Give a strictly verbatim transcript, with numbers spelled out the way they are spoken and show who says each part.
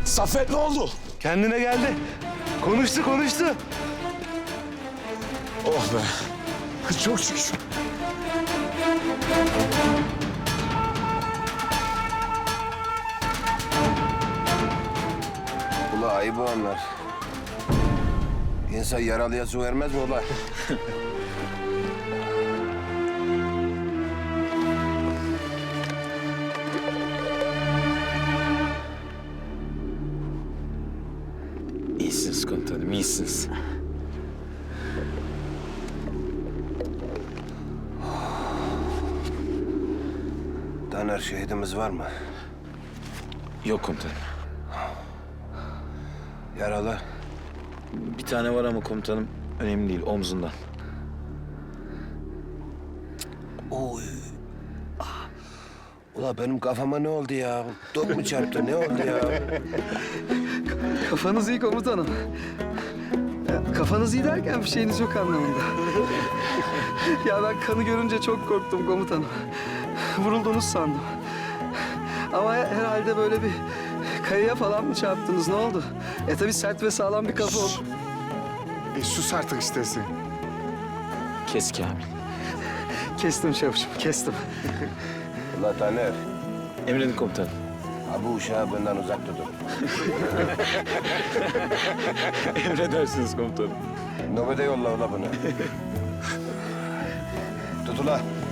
Speaker 1: Saffet ne oldu?
Speaker 2: Kendine geldi. Konuştu konuştu.
Speaker 1: Oh be. Çok şükür.
Speaker 3: Ula ayıbı onlar. İnsan yaralıya su vermez mi ula?
Speaker 1: İyisiniz komutanım, iyisiniz.
Speaker 3: Taner şehidimiz var mı?
Speaker 1: Yok komutanım.
Speaker 3: Yaralı.
Speaker 1: Bir tane var ama komutanım önemli değil, omzundan.
Speaker 3: Oy. Ah. Ula benim kafama ne oldu ya? Dok mu çarptı? Ne oldu ya?
Speaker 4: Kafanız iyi komutanım. Ya, kafanız iyi derken bir şeyiniz yok anlamında. Ya ben kanı görünce çok korktum komutanım. Vuruldunuz sandım. Ama herhalde böyle bir kayaya falan mı çarptınız? Ne oldu? E tabii sert ve sağlam bir kafa oldu.
Speaker 2: E sus artık istersen.
Speaker 1: Kes Kamil.
Speaker 4: Kestim çavuşum, kestim.
Speaker 3: Ula Taner.
Speaker 1: Emredin komutanım.
Speaker 3: Ha bu uşağı benden uzak tutun.
Speaker 1: Emredersiniz komutanım.
Speaker 3: Nöbete yolla ula bunu. Tut ula.